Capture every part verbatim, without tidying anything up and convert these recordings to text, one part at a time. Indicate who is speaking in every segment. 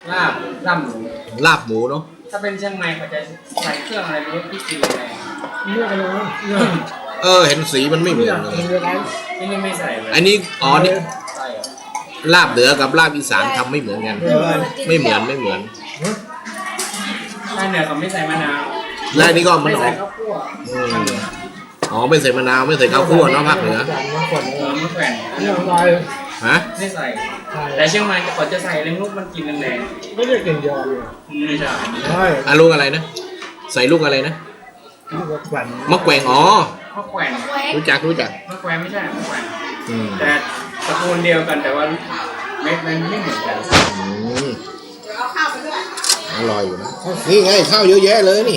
Speaker 1: ลาบลาบหมู
Speaker 2: ลาบหมูเนาะ
Speaker 1: ถ้าเป็นเชียงใหม่เขาจะใส่เครื่องอะไรไม่รู้ที่กินอะไร
Speaker 3: เลือกกันเลยนะเลือก
Speaker 2: เออเห็นสีมันไม่เหมื
Speaker 3: เลื
Speaker 2: อ
Speaker 3: อน ก
Speaker 2: เลย
Speaker 3: เลือกกัน
Speaker 1: ที่นี่ไม่ใส่เลย
Speaker 2: อันนี้อ๋อนี่
Speaker 1: ใส่เหรอ
Speaker 2: ลาบเหนือกับลาบอีสานทำไม่เหมือนกัน
Speaker 3: เลือกกัน
Speaker 2: ไม่เหมือนไม่เหมือน
Speaker 1: ถ้าเหนือเขาไม่ใส่มะนาว
Speaker 2: และอันนี้ก็มัน
Speaker 1: ไม่
Speaker 2: อ
Speaker 1: ใส่
Speaker 2: อก
Speaker 1: ข้าวคั่ว
Speaker 2: อืมอ๋อไม่ใส่มะนาวไม่ใส่ข้าวคั่วเนาะภาคเหนือ
Speaker 3: จานน้ำฝน
Speaker 1: เออมะแขวน
Speaker 3: เลือกไป
Speaker 2: ฮะ
Speaker 1: ไม่ใส่
Speaker 3: ใช่
Speaker 1: แต่เชียงใหม่เขาจะใส่เล้งลูกมันกินแรง
Speaker 3: ไม่ได้กลิ่นยอเลย
Speaker 1: ๆไม่ใช่
Speaker 3: ใช่
Speaker 2: อ่ะลูกอะไรนะใส่ลูกอะไรนะ
Speaker 3: ลูกแขวน
Speaker 2: มะแกวงอ๋อ
Speaker 1: มะแขวน
Speaker 2: รู้จักรู้จัก
Speaker 1: มะแขวนไม่ใช่มะแขวน
Speaker 2: อืม
Speaker 1: แต่ตระกูลเดียวกันแต่ว่าเม็ดมันไม่เหมือนกัน
Speaker 2: อืมอร่อยอยู่นะนี่ไงข้าวเยอะแยะเลยนี่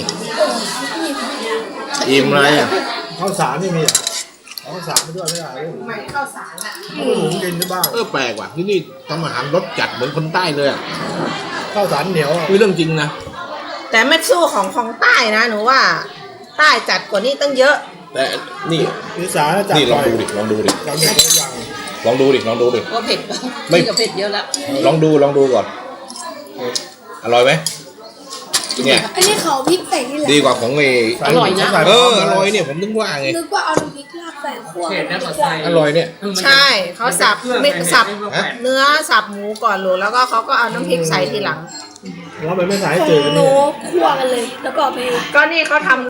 Speaker 2: อิ่มอะไรอ่ะ
Speaker 3: ข้าวสารนี่มีอ่ะเอาข้าวสารไปด้วยไม่ได้เลย
Speaker 4: ใหม่ข้าวสารอ่ะ
Speaker 3: เอาหมูกินได้บ้าง
Speaker 2: เออแปลกว่ะที่นี่ทำอาหารรสจัดเหมือนคนใต้เลยอ่ะ
Speaker 3: ข้าวสารเหนียวอ่ะ
Speaker 2: คือเรื่องจริงนะ
Speaker 4: แต่ไม่สู้ของของใต้นะหนูว่า ใต้จัดกว่านี้ตั้งเยอะ
Speaker 2: แต่นี่
Speaker 3: อีสานจัด
Speaker 2: นี่ลอง
Speaker 3: ไป
Speaker 2: ดูดิลองดูดิ
Speaker 3: จำเป็นตัวอย่าง
Speaker 2: ลองดูดิลองดูดิ
Speaker 4: ก็เผ็ด
Speaker 2: ไม่
Speaker 4: กับเผ็ดเยอะแล้ว
Speaker 2: ลองดูลองดูก่อนอร่อยไหมเนี่ย
Speaker 5: อันนี้เขาพริกใส่นี่แหละ
Speaker 2: ดีกว่าของเอ
Speaker 4: อร่อยนะ
Speaker 2: เอออร่อยเนี่ยผมนึกว่าไง
Speaker 5: นึกว่าเอาน้ำพริกลาบใส่ขั้ว
Speaker 1: เผ็ดนะเขาใส่
Speaker 2: อร่อยเนี่ย
Speaker 4: ใช่เขาสับไม่สับ
Speaker 1: มะแขวน
Speaker 4: เนื้อสับหมูก่อนหลูแล้วก็เขาก็เอาน้ำพริกใส่ทีหลัง
Speaker 3: แล้วมันไม่ใส่
Speaker 5: ของ
Speaker 3: จืดกัน
Speaker 5: หนู
Speaker 3: นี่
Speaker 5: คั่วกันเลย แล้วก็เอาไป
Speaker 4: ก็นี่เขาทำ